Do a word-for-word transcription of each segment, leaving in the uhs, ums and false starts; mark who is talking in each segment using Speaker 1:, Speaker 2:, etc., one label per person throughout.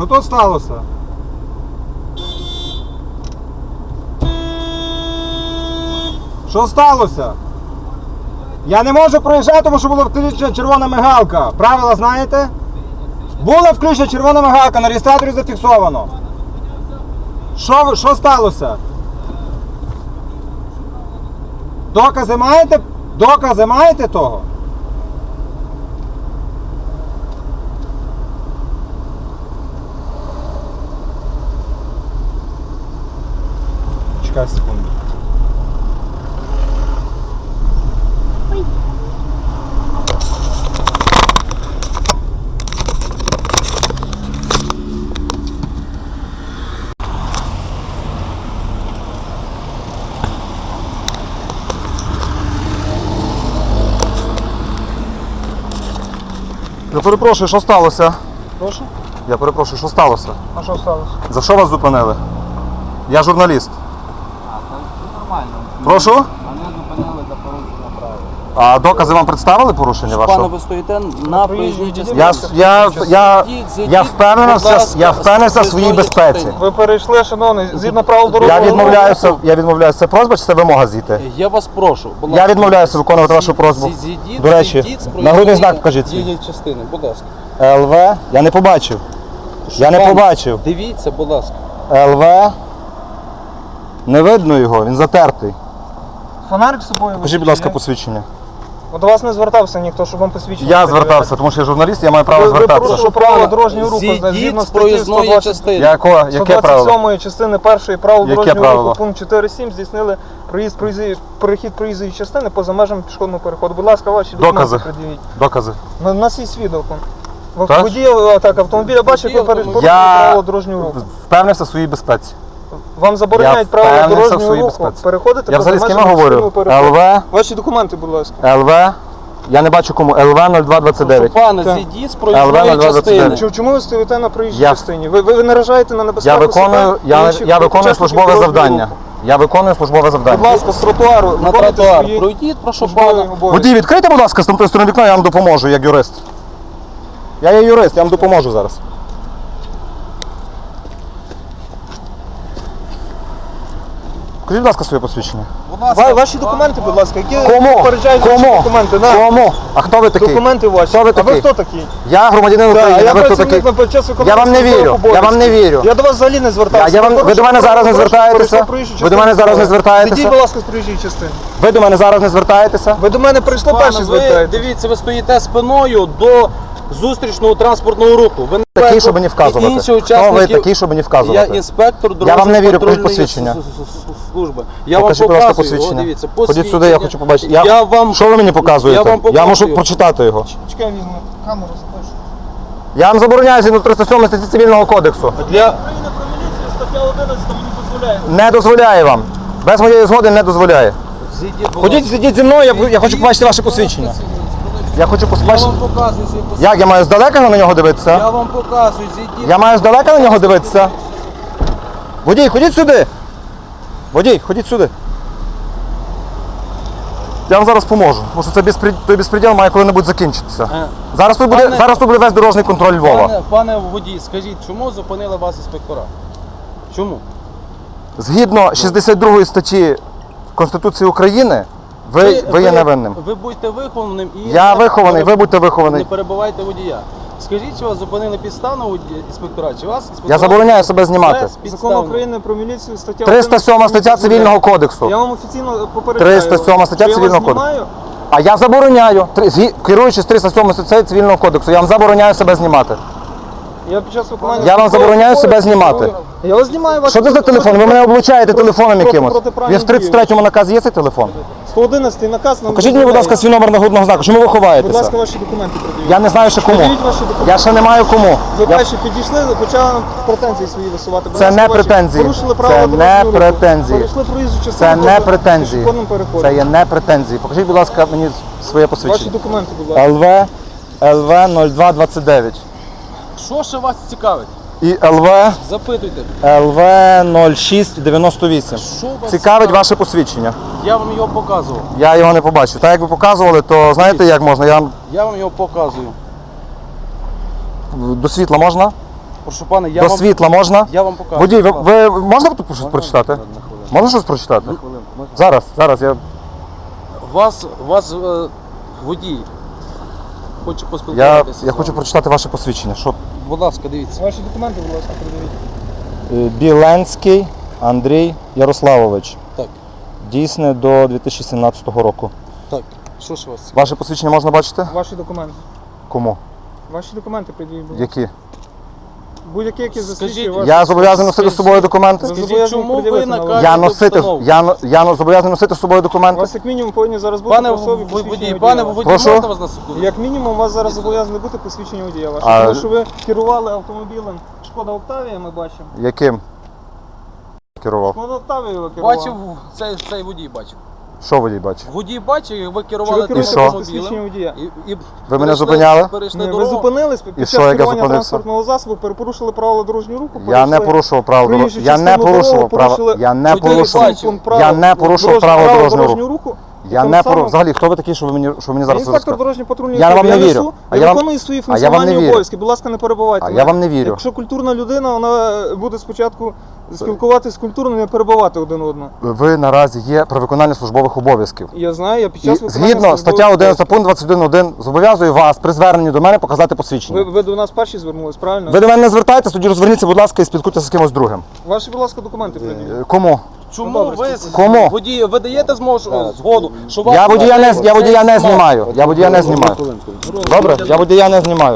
Speaker 1: Що тут сталося? Що сталося? Я не можу проїжджати, тому що була включена червона мигалка. Правила знаєте? Була включена червона мигалка, на реєстраторі зафіксовано. Що, що сталося? Докази маєте? Докази маєте того? Чекай секунду.
Speaker 2: Я перепрошую, що сталося?
Speaker 1: Прошу?
Speaker 2: Я перепрошую, що сталося?
Speaker 1: А що сталося?
Speaker 2: За що вас зупинили? Я журналіст.
Speaker 3: А, це нормально.
Speaker 2: Прошу?
Speaker 3: Мене зупинили за порушення правил.
Speaker 2: А докази вам представили порушення
Speaker 3: Пане,
Speaker 2: вашого?
Speaker 3: ви стоїте на проїзній частині.
Speaker 2: Я, я, я,
Speaker 3: Зайдіть,
Speaker 2: я
Speaker 3: будь
Speaker 2: впевнений
Speaker 3: ласка,
Speaker 2: я впевнений в своїй
Speaker 3: з
Speaker 2: безпеці.
Speaker 3: частини.
Speaker 1: Ви перейшли, шановний, згідно правил
Speaker 2: Я
Speaker 1: дорожнього руху.
Speaker 2: відмовляюся, я відмовляюся. Це просьба чи це вимога зійти?
Speaker 3: Я вас прошу, будь
Speaker 2: Я
Speaker 3: ласка.
Speaker 2: відмовляюся виконувати вашу просьбу.
Speaker 3: Зі- зійдіть,
Speaker 2: До речі,
Speaker 3: зійдіть з
Speaker 2: нагрудний знак
Speaker 3: проїзної
Speaker 2: покажіть свій.
Speaker 3: дієї частини, будь ласка.
Speaker 2: ЛВ? Я не побачив. Я не
Speaker 3: Пане,
Speaker 2: побачив.
Speaker 3: Дивіться, будь ласка.
Speaker 2: ЛВ? Не видно його, він затертий.
Speaker 1: Фонарик з собою.
Speaker 2: Покажіть, будь ласка, посвідчення.
Speaker 1: До вас не звертався ніхто, щоб вам посвідчення.
Speaker 2: Я
Speaker 1: перевіряти.
Speaker 2: звертався, тому що я журналіст, я маю право
Speaker 1: Ви, ви
Speaker 2: звертатися.
Speaker 1: порушили правила дорожнього руху,
Speaker 3: Зійдіть
Speaker 1: згідно
Speaker 3: з
Speaker 1: статті
Speaker 3: проїзної
Speaker 1: сто двадцять
Speaker 3: частини.
Speaker 2: Якого? Яке
Speaker 1: сто двадцять
Speaker 2: правило?
Speaker 1: сьомої частини першої правил
Speaker 2: Яке
Speaker 1: дорожнього
Speaker 2: правило?
Speaker 1: руху, пункт чотири сім, здійснили проїзд, проїзд, перехід проїзної частини поза межами пішохідного переходу. Будь ласка, ваші документи
Speaker 2: Докази.
Speaker 1: пред'явіть.
Speaker 2: Докази.
Speaker 1: У нас є свідок. В
Speaker 2: Так?
Speaker 1: водія, так, автомобіля бачить, як ви
Speaker 3: Водій
Speaker 1: порушили
Speaker 2: Я
Speaker 1: правила дорожнього руху.
Speaker 2: впевнився в своїй безпеці.
Speaker 1: Вам забороняють
Speaker 2: Я
Speaker 1: правила
Speaker 2: впевнився в
Speaker 1: дорожнього
Speaker 2: своїй
Speaker 1: руху.
Speaker 2: безпеці.
Speaker 1: Переходите
Speaker 2: Я
Speaker 1: поза
Speaker 2: взагалі з ким
Speaker 1: межами
Speaker 2: говорю?
Speaker 1: пішохідного переходу.
Speaker 2: ЛВ?
Speaker 1: Ваші документи, будь ласка.
Speaker 2: ЛВ? Я не бачу кому. ЛВ нуль два двадцять дев'ять.
Speaker 3: Пане,
Speaker 1: Так.
Speaker 3: зійдіть з
Speaker 2: ЛВ
Speaker 3: проїзної
Speaker 2: нуль два двадцять
Speaker 3: частини.
Speaker 2: дев'ять.
Speaker 1: Чому- Чому ви стоїте на проїжджій
Speaker 2: Я-
Speaker 1: частині? Ви, ви, ви наражаєте на небезпеку
Speaker 2: Я виконую,
Speaker 1: себе і
Speaker 2: я,
Speaker 1: інших
Speaker 2: я виконую
Speaker 1: учасників
Speaker 2: службове
Speaker 1: дорожнього
Speaker 2: завдання.
Speaker 1: руху.
Speaker 2: Я виконую службове
Speaker 1: Будь
Speaker 2: завдання.
Speaker 1: ласка, з тротуару.
Speaker 3: На
Speaker 1: виконуйте
Speaker 3: тротуар.
Speaker 1: свої
Speaker 3: Пройдіть, прошу
Speaker 1: службові
Speaker 3: пана.
Speaker 1: обов'язки.
Speaker 2: Водій, відкрийте, будь ласка, з тамтої сторони вікна, я вам допоможу, як юрист. Я є юрист, я вам допоможу зараз. Покажіть, будь ласка, своє посвідчення.
Speaker 1: Ва- Ваші документи, будь ласка, які
Speaker 2: Кому?
Speaker 1: попереджають ваші
Speaker 2: Кому?
Speaker 1: документи. Да.
Speaker 2: Кому? А хто ви такий?
Speaker 1: Документи ваші.
Speaker 2: Хто ви
Speaker 1: А ви
Speaker 2: такий?
Speaker 1: хто такий?
Speaker 2: Я громадянин
Speaker 1: Да,
Speaker 2: України,
Speaker 1: а я
Speaker 2: а ви хто такий?
Speaker 1: працівник на час виконання
Speaker 2: Я вам не
Speaker 1: службових
Speaker 2: вірю, я вам не
Speaker 1: обов'язків.
Speaker 2: вірю.
Speaker 1: Я до вас взагалі не звертався.
Speaker 2: Я- я вам- ви до мене зараз не звертаєтеся? Ви до мене зараз не звертаєтеся?
Speaker 1: Ідіть, будь ласка, з проїжджої частини.
Speaker 2: Ви до мене зараз не звертаєтеся?
Speaker 1: Ви до мене прийшли
Speaker 3: Пане,
Speaker 1: перші
Speaker 3: ви
Speaker 1: звертаєтесь.
Speaker 3: дивіться, ви стоїте спиною до зустрічного транспортного руху. Ви не
Speaker 2: Такий, щоб
Speaker 3: і
Speaker 2: мені вказувати.
Speaker 3: інші
Speaker 2: Хто ви
Speaker 3: учасники-
Speaker 2: такий, щоб мені
Speaker 3: Я
Speaker 2: вказувати?
Speaker 3: інспектор
Speaker 2: Я вам не вірю, покажіть
Speaker 3: дорожньо-патрульної
Speaker 2: посвідчення.
Speaker 3: с- с- с- служби. Я
Speaker 2: Покажіть,
Speaker 3: вам
Speaker 2: будь ласка,
Speaker 3: показую. О,
Speaker 2: посвідчення.
Speaker 3: дивіться,
Speaker 2: Ходіть сюди, я хочу побачити. Я-
Speaker 3: Я вам...
Speaker 2: Що ви мені показуєте?
Speaker 3: Я вам
Speaker 2: Я можу
Speaker 3: показую.
Speaker 2: прочитати його.
Speaker 1: Чекай, візьму камеру, запишу.
Speaker 2: Я вам забороняю згідно триста сьомої статті Цивільного кодексу.
Speaker 3: Для...
Speaker 1: Україна про міліцію, стаття одинадцята мені дозволяє.
Speaker 2: Не дозволяє вам. Без моєї згоди не дозволяє.
Speaker 3: Зійдіть, будь
Speaker 2: Ходіть,
Speaker 3: ласка.
Speaker 2: сидіть зі мною, я, я хочу
Speaker 3: Зійдіть,
Speaker 2: побачити ваше
Speaker 3: будь ласка,
Speaker 2: посвідчення.
Speaker 3: сидіть.
Speaker 2: Я хочу
Speaker 3: Я
Speaker 2: побачити.
Speaker 3: вам показую свої посвідчення.
Speaker 2: Як я маю здалека на нього
Speaker 3: Я
Speaker 2: дивитися?
Speaker 3: вам показую, зійдіть.
Speaker 2: Я маю здалека на нього дивитися? Водій, ходіть сюди. Водій, ходіть сюди. Я вам зараз поможу, тому що це безпред... той безпреділ має коли-небудь закінчитися.
Speaker 3: Е,
Speaker 2: Зараз тут буде,
Speaker 3: Пане-
Speaker 2: зараз тут буде весь дорожній контроль Львова.
Speaker 3: Пане, пане водій, скажіть, чому зупинили вас інспектора? Чому?
Speaker 2: Згідно шістдесят другої статті Конституції України, ви, ви є невинним.
Speaker 3: Ви будьте вихованим і...
Speaker 2: Я вихований, ви будьте
Speaker 3: Не
Speaker 2: вихований.
Speaker 3: перебивайте водія. Скажіть, чи вас зупинили підставно водія- інспектора, чи вас інспектора...
Speaker 2: Я забороняю себе знімати.
Speaker 3: Без
Speaker 1: Закон
Speaker 3: підставно.
Speaker 1: України про міліцію, стаття
Speaker 2: триста сьома стаття
Speaker 1: одинадцята
Speaker 2: Цивільного
Speaker 1: Я
Speaker 2: кодексу.
Speaker 1: вам офіційно попереджаю.
Speaker 2: триста сьома стаття
Speaker 1: Що я
Speaker 2: Цивільного
Speaker 1: вас
Speaker 2: кодексу.
Speaker 1: знімаю?
Speaker 2: А я забороняю, Три- згі- керуючись триста сьомою статтею Цивільного кодексу, я вам забороняю себе знімати.
Speaker 1: Я під час виконання...
Speaker 2: Я вам забороняю себе знімати.
Speaker 1: Я вас знімаю. ваші
Speaker 2: Що це за телефон? Ви мене облучаєте телефоном
Speaker 1: Проти-
Speaker 2: якимось.
Speaker 1: протиправні
Speaker 2: Він в тридцять третьому наказі є цей телефон?
Speaker 1: сто одинадцятий наказ нам
Speaker 2: Покажіть мені, будь ласка, свій номер нагрудного знаку. Чому ви
Speaker 1: Будь
Speaker 2: ховаєтеся?
Speaker 1: ласка, ваші документи придивіть.
Speaker 2: Я не знаю ще кому.
Speaker 1: Придивіть ваші документи.
Speaker 2: Я ще не маю кому.
Speaker 1: Ви
Speaker 2: Я-
Speaker 1: перші підійшли, почали нам претензії свої висувати. Будь
Speaker 2: Це
Speaker 1: ласка,
Speaker 2: не
Speaker 1: ваші
Speaker 2: претензії.
Speaker 1: Порушили
Speaker 2: Це
Speaker 1: правила
Speaker 2: не
Speaker 1: дорожнього руху.
Speaker 2: претензії.
Speaker 1: Перейшли проїзду частину.
Speaker 2: Це не
Speaker 1: поза
Speaker 2: претензії.
Speaker 1: пішохідним переходом.
Speaker 2: Це є не претензії. Покажіть, будь ласка, мені своє
Speaker 1: Ваші
Speaker 2: посвідчення.
Speaker 1: документи, будь ласка.
Speaker 2: ЛВ ЛВ нуль два двадцять дев'ять.
Speaker 3: Що ще вас цікавить?
Speaker 2: І ЛВ
Speaker 3: Запитуйте.
Speaker 2: ЛВ нуль шість дев'яносто вісім.
Speaker 3: Що вас
Speaker 2: Цікавить ваше посвідчення.
Speaker 3: Я вам його показував.
Speaker 2: Я його не побачив. Так як ви показували, то знаєте як можна? Я вам
Speaker 3: Я вам його показую.
Speaker 2: до світла можна?
Speaker 3: Прошу пане, я
Speaker 2: До
Speaker 3: вам,
Speaker 2: світла можна?
Speaker 3: я вам покажу.
Speaker 2: Водій, ви,
Speaker 3: Будь ласка.
Speaker 2: ви можна тут щось прочитати?
Speaker 4: На хвилину.
Speaker 2: Можна щось прочитати?
Speaker 4: На хвилину. Можна?
Speaker 2: Зараз, зараз я.
Speaker 3: Вас, вас е, водій. Хочу
Speaker 2: Я,
Speaker 3: поспілкуватися. з
Speaker 2: я
Speaker 3: вами.
Speaker 2: хочу прочитати ваше посвідчення. Що?
Speaker 3: Будь ласка, дивіться.
Speaker 1: Ваші документи, будь ласка, передавіть.
Speaker 2: Е, Біленський Андрій Ярославович.
Speaker 3: Так,
Speaker 2: Дійсне до дві тисячі сімнадцятого року.
Speaker 3: так. Що ж у вас?
Speaker 2: Ваше посвідчення можна бачити?
Speaker 1: Ваші документи.
Speaker 2: Кому?
Speaker 1: Ваші документи пред'явіть, будь ласка.
Speaker 2: Які?
Speaker 1: Будь-які, які
Speaker 3: Скажіть,
Speaker 1: засвідчує ваш...
Speaker 2: Я зобов'язаний носити з собою документи?
Speaker 1: Ви
Speaker 3: Скажіть,
Speaker 1: зобов'язані
Speaker 3: чому ви
Speaker 1: пред'явити на
Speaker 3: наказуєте
Speaker 2: Я носити,
Speaker 3: установу?
Speaker 2: я, но- я но- зобов'язаний носити з собою
Speaker 1: У
Speaker 2: документи?
Speaker 1: вас як мінімум повинні зараз бути
Speaker 3: Пане
Speaker 1: по особі
Speaker 3: в-
Speaker 1: посвідчення
Speaker 3: водій,
Speaker 1: водія
Speaker 3: пане
Speaker 1: вашого.
Speaker 3: водій,
Speaker 2: Прошу?
Speaker 3: можна вас на секунду?
Speaker 1: Як мінімум у вас зараз зобов'язані бути посвідчення водія вашого.
Speaker 2: А-
Speaker 1: Тому що ви керували автомобілем Шкода Октавія, ми бачимо.
Speaker 2: Яким? Керував.
Speaker 1: Шкода Октавія ви керували.
Speaker 3: Бачив, цей, цей водій бачив.
Speaker 2: Що водій бачив?
Speaker 3: Водій бачив, як ви
Speaker 1: Чи
Speaker 3: керували
Speaker 1: ви керуєте
Speaker 2: що?
Speaker 1: без посвідчення водія?
Speaker 3: І, і
Speaker 2: Ви мене
Speaker 3: перейшли-
Speaker 2: зупиняли?
Speaker 3: Перейшли
Speaker 1: Ні, ви
Speaker 3: дорогу.
Speaker 1: зупинились під
Speaker 2: І
Speaker 1: час
Speaker 2: що, як я
Speaker 1: керування
Speaker 2: зупинився?
Speaker 1: транспортного засобу, перепорушили правила дорожнього руху.
Speaker 2: Я не
Speaker 1: порушили
Speaker 2: порушував правила дорожнього.
Speaker 1: проїжджу
Speaker 2: Я не
Speaker 1: частину
Speaker 2: порушував
Speaker 1: дорогу,
Speaker 2: права.
Speaker 1: порушили
Speaker 2: Я не
Speaker 3: водій
Speaker 2: порушував.
Speaker 3: бачив.
Speaker 1: пункт правил
Speaker 2: Я не порушував
Speaker 1: дорожнього-
Speaker 2: правила
Speaker 1: правил
Speaker 2: дорожнього руху. Я
Speaker 1: Тим
Speaker 2: не
Speaker 1: самим-
Speaker 2: порушував. Взагалі, хто ви такий, що ви мені, що ви мені зараз
Speaker 1: Інспектор
Speaker 2: розказуєте?
Speaker 1: дорожньої патрульної
Speaker 2: Я вам
Speaker 1: служби.
Speaker 2: не
Speaker 1: Я
Speaker 2: вірю.
Speaker 1: несу,
Speaker 2: А
Speaker 1: я
Speaker 2: я вам-
Speaker 1: виконую свої
Speaker 2: а я вам не
Speaker 1: функціональні
Speaker 2: вірю.
Speaker 1: обов'язки. Будь ласка, не перебивайте
Speaker 2: А
Speaker 1: мене.
Speaker 2: я вам не вірю.
Speaker 1: Якщо культурна людина, вона буде спочатку спілкуватися культурно, не перебивати один одного.
Speaker 2: Ви наразі є при виконанні службових обов'язків.
Speaker 1: Я знаю, я під
Speaker 2: І
Speaker 1: час виконання
Speaker 2: згідно
Speaker 1: службових
Speaker 2: стаття одинадцять
Speaker 1: обов'язків.
Speaker 2: пункт двадцять один один зобов'язую вас при зверненні до мене показати
Speaker 1: Ви,
Speaker 2: посвідчення.
Speaker 1: ви до нас перші звернулись, правильно?
Speaker 2: Ви до мене не звертайтеся, тоді розверніться, будь ласка, і спілкуйтеся з кимось другим.
Speaker 1: Ваші, будь ласка, документи приділіть.
Speaker 2: Е, Кому?
Speaker 3: Чому
Speaker 1: Ну, добре,
Speaker 3: ви
Speaker 2: Кому?
Speaker 3: водій, ви даєте змогу згоду, що вас
Speaker 2: Я водія не, я водія не
Speaker 3: знімав?
Speaker 2: знімаю. Я водія не знімаю. Добре? Я водія не знімаю.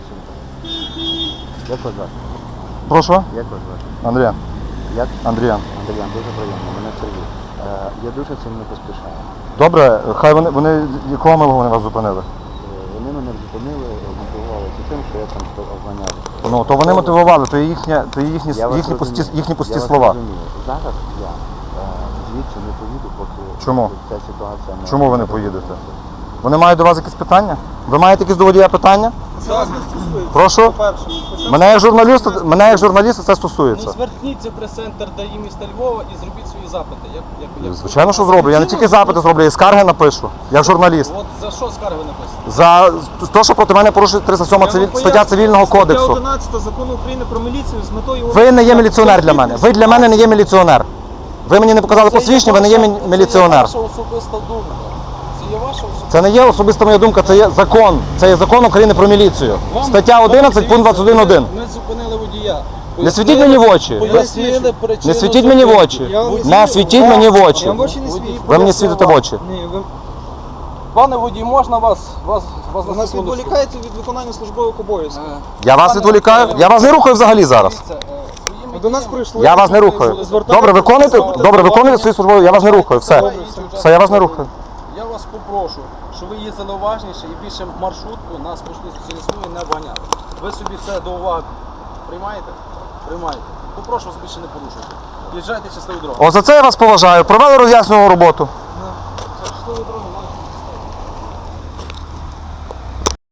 Speaker 4: Як вас звати?
Speaker 2: Прошу?
Speaker 4: Як вас звати?
Speaker 2: Андріан.
Speaker 4: Як?
Speaker 2: Андріан.
Speaker 4: Андріан, дуже приємно. Мене Сергій. Е, Я дуже сильно поспішаю.
Speaker 2: Добре, хай вони, вони якого милого вони вас зупинили?
Speaker 4: Е, Вони мене зупинили, мотивувалися тим, що я там обганяв.
Speaker 2: Ну, то вони мотивували, то є їхня, то є їхні,
Speaker 4: Я вас
Speaker 2: їхні, пусті,
Speaker 4: розумію.
Speaker 2: їхні пусті
Speaker 4: Я вас
Speaker 2: слова.
Speaker 4: розумію. Зараз я е, звідси не поїду, поки
Speaker 2: Чому?
Speaker 4: ця ситуація не...
Speaker 2: Чому ви не поїдете? Вони мають до вас якісь питання? Ви маєте якісь до водія питання?
Speaker 1: Це вас не стосується.
Speaker 2: Прошу?
Speaker 1: По-перше.
Speaker 2: Мене як журналіста, мене як журналіста це
Speaker 3: Ну
Speaker 2: стосується.
Speaker 3: зверніться в прес-центр ДАІ міста Львова і зробіть свої запити. Як, як, як...
Speaker 2: Звичайно, що зроблю. Я не тільки запити зроблю, я і скарги напишу, як журналіст.
Speaker 3: От за що скарги написано?
Speaker 2: За те, що проти мене порушує триста сьома цивіль... стаття цивільного
Speaker 1: Стаття
Speaker 2: кодексу.
Speaker 1: одинадцята закону України про міліцію з метою...
Speaker 2: Ви не є міліціонер для мене. Ви для мене не є міліціонер. Ви мені не показали
Speaker 3: Це є
Speaker 2: посвідчення, ви не є
Speaker 3: ваша-
Speaker 2: мі- міліціонер.
Speaker 3: Це є ваша особиста думка. Це є ваша особиста.
Speaker 2: Це не є особиста моя думка, це є закон. Це є закон України про міліцію.
Speaker 3: Вам-
Speaker 2: Стаття
Speaker 3: вам
Speaker 2: одинадцять, пункт двадцять один один.
Speaker 3: Ми зупинили водія.
Speaker 2: Не світіть мені в очі.
Speaker 3: Пояснили причину
Speaker 2: Не світіть мені в
Speaker 3: зупинки.
Speaker 2: очі.
Speaker 1: Я вам
Speaker 2: Не світіть мені в очі.
Speaker 1: Я вам в очі не світю.
Speaker 2: Ви мені світите в очі.
Speaker 1: Ні, ви,
Speaker 3: Пане водій, можна вас, вас, вас
Speaker 1: ви
Speaker 3: на
Speaker 1: нас
Speaker 3: секундочку?
Speaker 1: відволікаєте від виконання службових обов'язків.
Speaker 3: Е,
Speaker 2: Я вас
Speaker 3: пане
Speaker 2: відволікаю?
Speaker 3: водій,
Speaker 2: Я вас не рухаю взагалі зараз.
Speaker 3: дивіться, е, своїми
Speaker 1: До нас
Speaker 3: діями-
Speaker 1: прийшли.
Speaker 2: Я вас не рухаю. Добре, виконуйте, добре, виконуйте свої службові, я вас не рухаю. Все. Все, я вас не рухаю.
Speaker 3: Я вас попрошу, щоб ви їздили уважніше і більше маршрутку на спошли смуги не обганяли. Ви собі це до уваги приймаєте? Приймаєте. Попрошу вас більше не порушуйте. Їжджайте щасливу дорогу.
Speaker 2: О, за це я вас поважаю. Провели роз'яснювальну роботу.
Speaker 3: Щасливу дорогу.